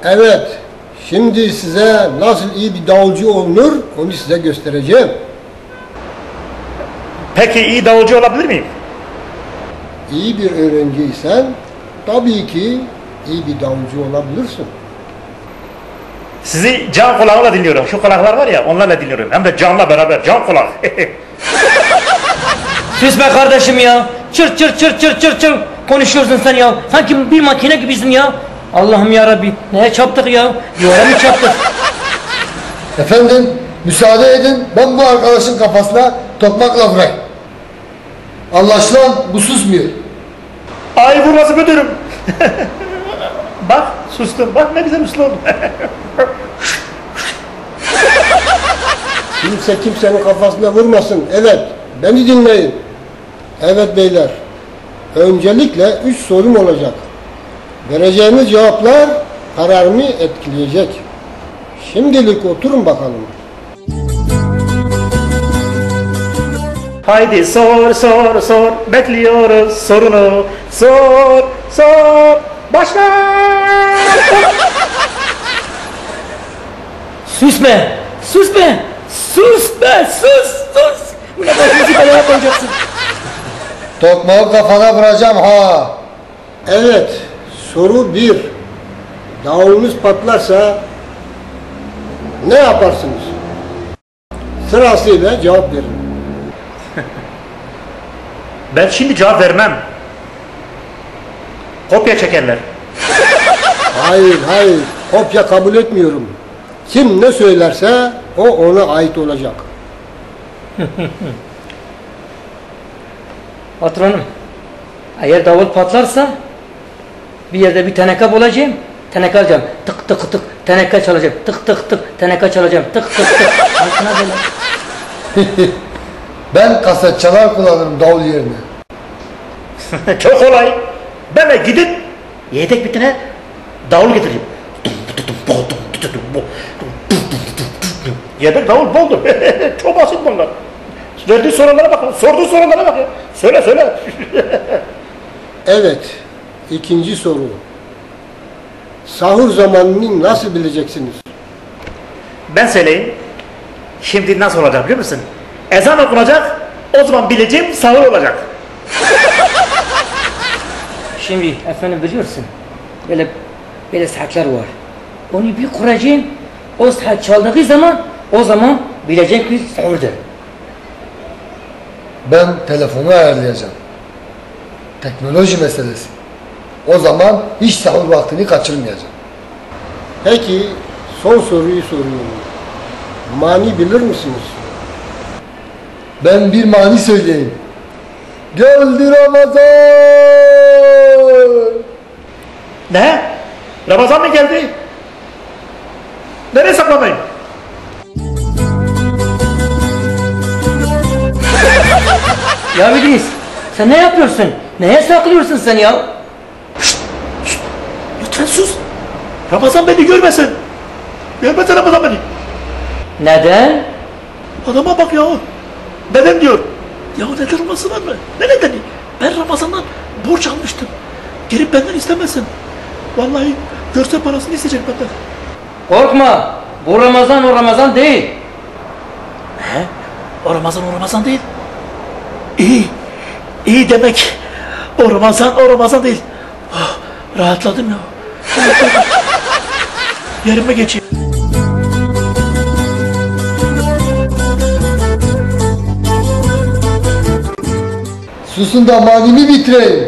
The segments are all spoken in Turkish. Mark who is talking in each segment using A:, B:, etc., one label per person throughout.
A: Evet, şimdi size nasıl iyi bir davulcu olunur onu size göstereceğim.
B: Peki iyi davulcu olabilir miyim?
A: İyi bir öğrenciysen tabii ki iyi bir davulcu olabilirsin.
B: Sizi can kulağıyla dinliyorum. Şu kulaklar var ya, onlarla dinliyorum. Hem de canla beraber, can kulak.
C: Sus be kardeşim ya. Çır çır çır çır çır çır. Konuşuyorsun sen ya. Sanki bir makine gibisin ya. Allah'ım ya Rabbi. Neye çarptık ya? Duvara mı çarptık?
D: Efendim, müsaade edin, ben bu arkadaşın kafasına tokmakla vurayım. Anlaşılan bu susmuyor.
B: Ay vurması müdürüm. Bak sustum. Bak ne güzel uslu oldum.
A: Kimse kimsenin kafasına vurmasın. Evet, beni dinleyin. Evet beyler, öncelikle 3 sorum olacak. Vereceğiniz cevaplar kararımı etkileyecek. Şimdilik oturun bakalım.
B: Haydi sor sor sor. Bekliyoruz sorunu. Sor sor. Başla.
C: Sus be. Sus be. Sus be. Sus. Sus. Bu ne başımızı belaya koyacaksın.
D: Tokmağı kafana vuracağım ha.
A: Evet, soru 1. Davulunuz patlarsa ne yaparsınız? Sırasıyla cevap verin.
B: Ben şimdi cevap vermem. Kopya çekerler.
A: Hayır, hayır. Kopya kabul etmiyorum. Kim ne söylerse o ona ait olacak.
C: Patronum. Eğer davul patlarsa bir yerde bir teneke bulacağım. Teneke alacağım. Tık tık tık. Teneke çalacağım. Tık tık tık. Teneke çalacağım. Tık tık tık. Altına böyle.
D: Ben kaset çalar kullanırım davul yerine.
B: Çok kolay. Ben de gidip yedek bir tane davul getireyim. Yedek davul buldu. Çok basit bunlar. Verdiği sorulara bak. Sorduğu sorulara bak ya. Söyle söyle.
A: Evet, ikinci soru. Sahur zamanını nasıl bileceksiniz?
B: Ben söyleyeyim. Şimdi nasıl olacak biliyor musun? Ezan okunacak. O zaman bileceğim sahur olacak.
C: Şimdi efendim biliyorsun. Böyle saatler var. Onu bir kuracağım. O saat çaldığı zaman o zaman bilecek ki sahurdur.
D: Ben telefonu ayarlayacağım. Teknoloji meselesi. O zaman hiç sahur vaktini kaçırmayacağım.
A: Peki, son soruyu soruyorum. Mani bilir misiniz?
D: Ben bir mani söyleyeyim. Geldi Ramazan!
B: Ne? Ramazan mı geldi? Nereye saklanayım?
C: Ya İdris sen ne yapıyorsun? Neye saklıyorsun sen ya?
B: Lütfen sus. Ramazan beni görmesin. Görmesin Ramazan beni.
C: Neden?
B: Adama bak ya. Neden diyor. Ya neden olması var mı? Ne nedeni? Ben Ramazan'dan borç almıştım. Gelip benden istemesin. Vallahi görse parasını isteyecek benden.
C: Korkma. Bu Ramazan o Ramazan değil.
B: He? O Ramazan değil. İyi. İyi demek. O Ramazan değil. Oh, rahatladım ya. Yerime geçeyim.
D: Susun da manimi bitireyim.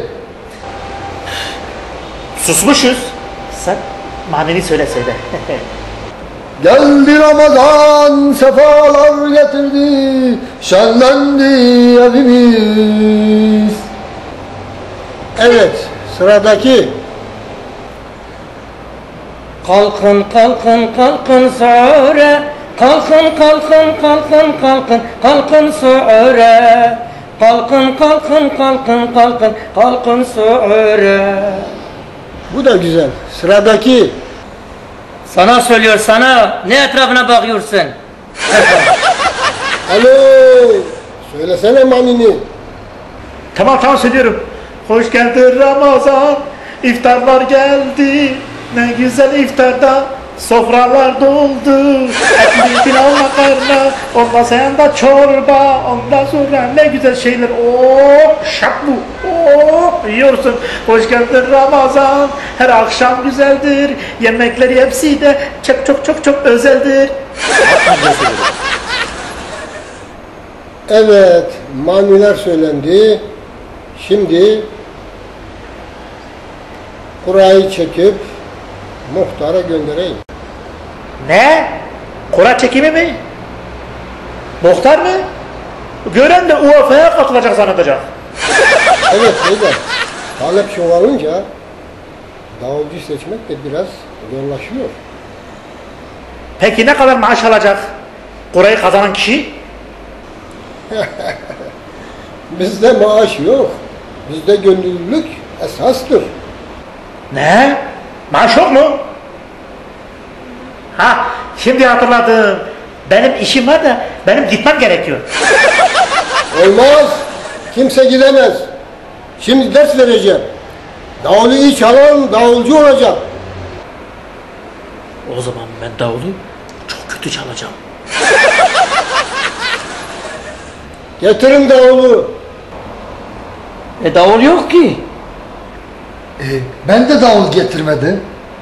B: Susmuşuz. Sen maneni söyle.
D: Geldi Ramazan, sefalar getirdi, şenlendi evimiz.
A: Evet, sıradaki.
C: Kalkın kalkın kalkın sahura. Kalkın kalkın kalkın kalkın kalkın sahura. Kalkın kalkın kalkın kalkın kalkın sahura.
A: Bu da güzel. Sıradaki.
C: Sana söylüyor sana. Ne etrafına bakıyorsun?
A: Alo, söylesene manini.
B: Tamam söylüyorum. Hoş geldin Ramazan. İftarlar geldi. Ne güzel iftarda sofralar doldu. Etli pilav makarna, olmasa yanında çorba. Ondan sonra ne güzel şeyler. Oh şak bu. Oh yiyorsun. Hoş geldin Ramazan. Her akşam güzeldir. Yemekleri hepsi de çok çok çok çok özeldir.
A: Evet, maniler söylendi. Şimdi kurayı çekip muhtara göndereyim.
B: Ne? Kura çekimi mi? Muhtar mı? Gören de UEFA'ya katılacak zannedecek.
A: Evet beyler, talep çoğalınca davulcu seçmek de biraz zorlaşıyor.
B: Peki ne kadar maaş alacak kurayı kazanan kişi?
A: Bizde maaş yok. Bizde gönüllülük esastır.
B: Ne? Maaş yok mu? Ha, şimdi hatırladım. Benim işim var da benim gitmem gerekiyor.
A: Olmaz. Kimse gidemez. Şimdi ders vereceğim. Davulu iyi çalan davulcu olacak.
B: O zaman ben davulu çok kötü çalacağım.
A: Getirin davulu.
C: Davul yok ki.
D: Ben de davul getirmedim.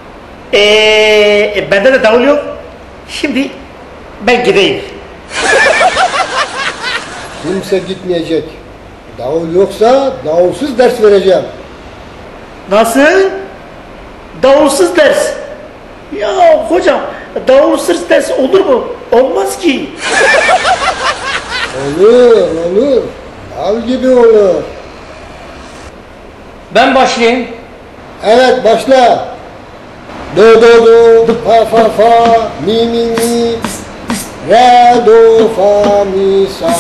B: Bende de davul yok. Şimdi ben gideyim.
A: Kimse gitmeyecek. Davul yoksa davulsuz ders vereceğim.
B: Nasıl? Davulsuz ders. Ya hocam davulsuz ders olur mu? Olmaz ki.
A: Olur, olur. Dal gibi olur.
C: Ben başlayayım.
A: Evet, başla. Do do do, fa fa fa, mi mi mi, re do fa mi sa.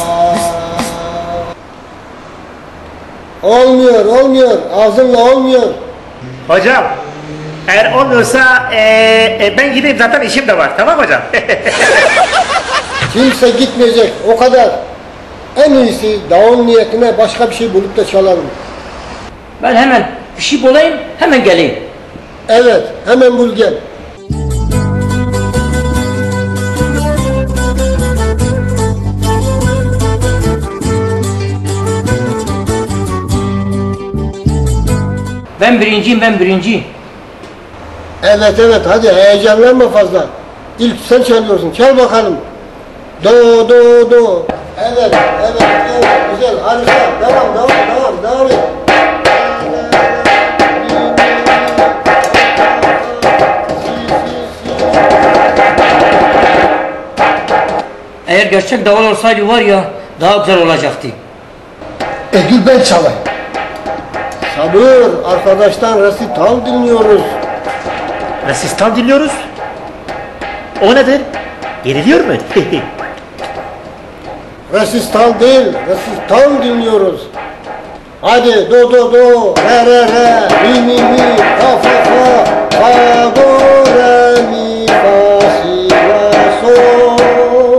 A: Olmuyor, olmuyor. Ağzınla olmuyor.
B: Hocam eğer olmuyorsa ben gideyim, zaten işim de var, tamam hocam?
A: Kimse gitmeyecek, o kadar. En iyisi davul niyetine başka bir şey bulup da çalalım.
C: Ben hemen bir şey bulayım, hemen geleyim.
A: Evet, hemen bul gel.
C: Ben birinciyim, ben birinci.
A: Evet, evet, hadi heyecanlanma fazla. İlk sen çalıyorsun, çal bakalım. Do, do, do. Evet, evet, evet, güzel, harika. Devam, devam, devam, devam et.
C: Eğer gerçek davul olsaydı var ya, daha güzel olacaktı.
D: Gül ben çalayım.
A: Sabır, arkadaştan resital dinliyoruz.
B: Resistan dinliyoruz. O nedir? Yeniliyor mu?
A: Resistal değil, resital dinliyoruz. Hadi do do do, re re re, mi mi mi, fa fa fa, fa do re mi fa si la sol.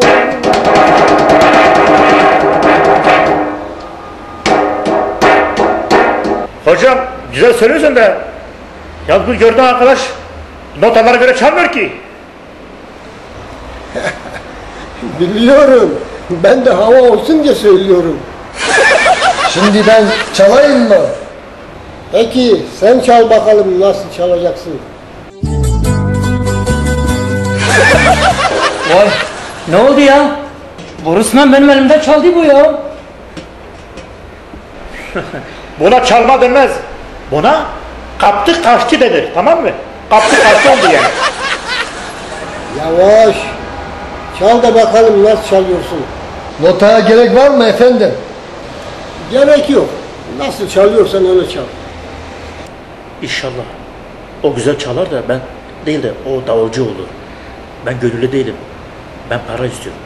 B: Hocam güzel söylüyorsun da ya bu gördüğün arkadaş notalara göre çalmıyor ki.
A: Biliyorum, ben de hava olsun diye söylüyorum.
D: Şimdi ben çalayım mı?
A: Peki, sen çal bakalım nasıl çalacaksın.
C: Vay, ne oldu ya? Bu resmen benim elimden çaldı bu ya.
B: Buna çalma denmez. Buna kaptı kaçtı denir, tamam mı? Kaptı kaçtı oldu yani.
A: Yavaş, çal da bakalım nasıl çalıyorsun.
D: Notaya gerek var mı efendim?
A: Gerek yok, nasıl çalıyorsan öyle çal.
B: İnşallah o güzel çalar da ben değil de o davulcu olur. Ben gönüllü değilim. Ben para istiyorum.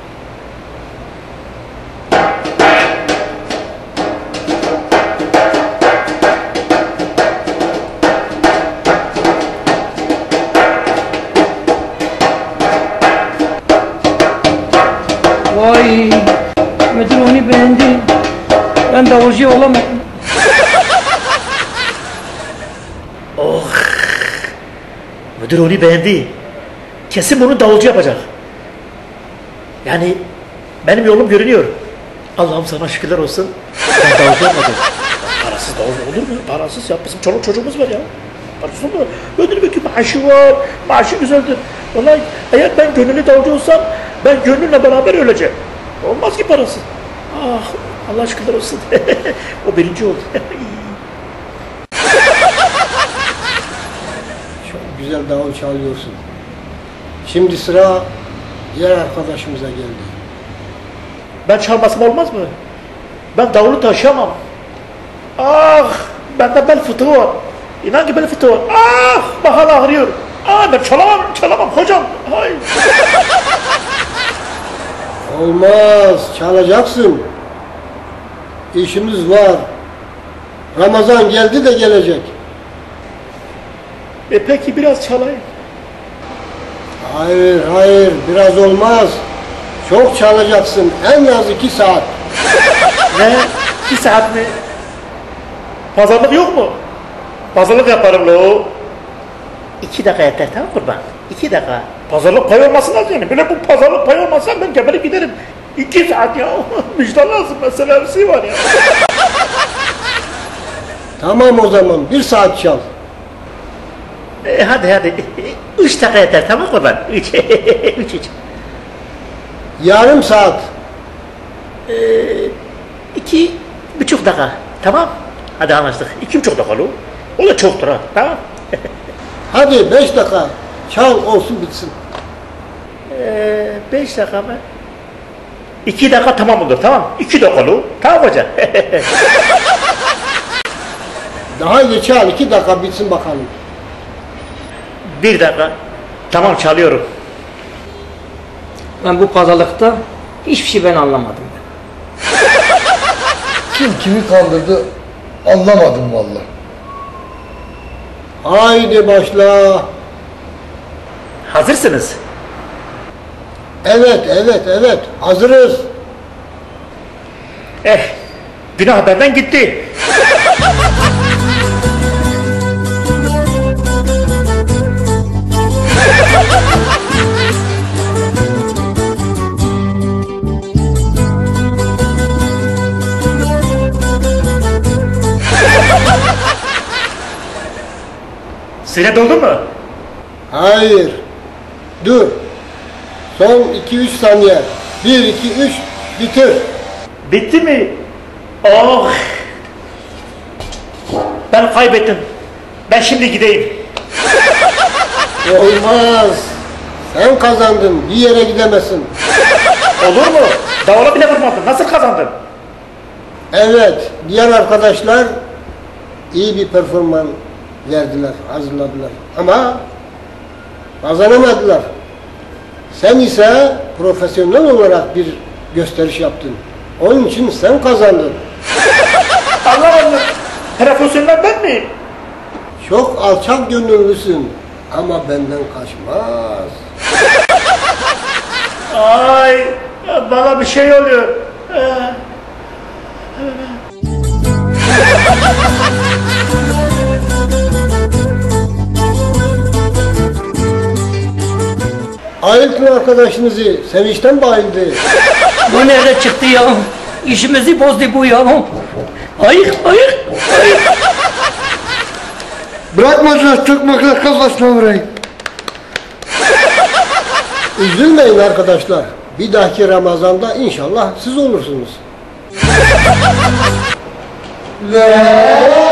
C: Vay, müdür onu beğendi. Ben davulcu olamadım.
B: Müdür onu beğendi. Kesin bunu davulcu yapacak. Yani benim yolum görünüyor. Allah'ım sana şükürler olsun. Ben davulcu yapmadım. Parasız davulcu olur mu? Parasız ya. Bizim çoluk çocuğumuz var ya. Parasız olur mu? Ödül bir maaşı var. Maaşı güzeldir. Vallahi eğer ben gönüllü davulcu olsam ben gönlümle beraber öleceğim. Olmaz ki parasız. Ah Allah şükürler olsun. O birinci oldu.
A: Çok güzel davul çalıyorsun. Şimdi sıra diğer arkadaşımıza geldi.
B: Ben çalmasam olmaz mı? Ben davulu taşıyamam. Ah! Bende bel fıtığı var. İnan ki bel fıtığı var. Ah! Bahar ağrıyor. Ah ben çalamam hocam. Hay.
A: Olmaz, çalacaksın. İşimiz var. Ramazan geldi de gelecek.
B: Peki biraz çalayım.
A: Hayır, biraz olmaz. Çok çalacaksın, en az 2 saat.
B: Ne? 2 saat mi? Pazarlık yok mu? Pazarlık yaparım lo. 2 dakika yeter tamam kurban. 2 dakika. Pazarlık pay olması lazım yani. Böyle bu pazarlık pay olmazsa ben geberip giderim. 2 saat ya. Müjde lazım mesela bir şey var ya.
A: Tamam o zaman, 1 saat çal.
B: Hadi. 3 dakika yeter tamam kurban. 3.
A: Yarım saat.
B: 2,5 dakika. Tamam. Hadi anlaştık. 2,5 dakika lo. O da çoktur ha. Tamam.
A: Hadi 5 dakika. Çal olsun bitsin.
B: 5 dakika mı? 2 dakika tamam olur tamam. 2 dakika lo. Tamam hocam.
A: Daha iyi çal, 2 dakika bitsin bakalım.
B: 1 dakika. Tamam çalıyorum.
C: Ben bu pazarlıkta hiçbir şey ben anlamadım.
D: Kim kimi kandırdı anlamadım vallahi.
A: Haydi başla.
B: Hazırsınız.
A: Evet, hazırız.
B: Günah benden gitti. Süre doldu mu?
A: Hayır. Dur. Son 2-3 saniye. 1, 2, 3, bitir.
B: Bitti mi? Oh! Ben kaybettim. Ben şimdi gideyim.
A: Olmaz. Sen kazandın. Bir yere gidemezsin.
B: Olur mu? Davula bile vurmadın. Nasıl kazandın?
A: Evet. Diğer arkadaşlar iyi bir performans verdiler, hazırladılar. Ama kazanamadılar. Sen ise profesyonel olarak bir gösteriş yaptın. Onun için sen kazandın.
B: Allah. Profesyonel ben miyim?
A: Çok alçak gönüllüsün. Ama benden kaçmaz.
B: Ay, bana bir şey oluyor.
A: Ayıltın arkadaşınızı. Sevinçten bayıldı.
C: Bu nerede çıktı ya? İşimizi bozdu bu ya. Ayık.
D: Bırakmadılar çökmekler kafasına vurayım.
A: Üzülmeyin arkadaşlar. Bir dahaki Ramazan'da inşallah siz olursunuz.
D: La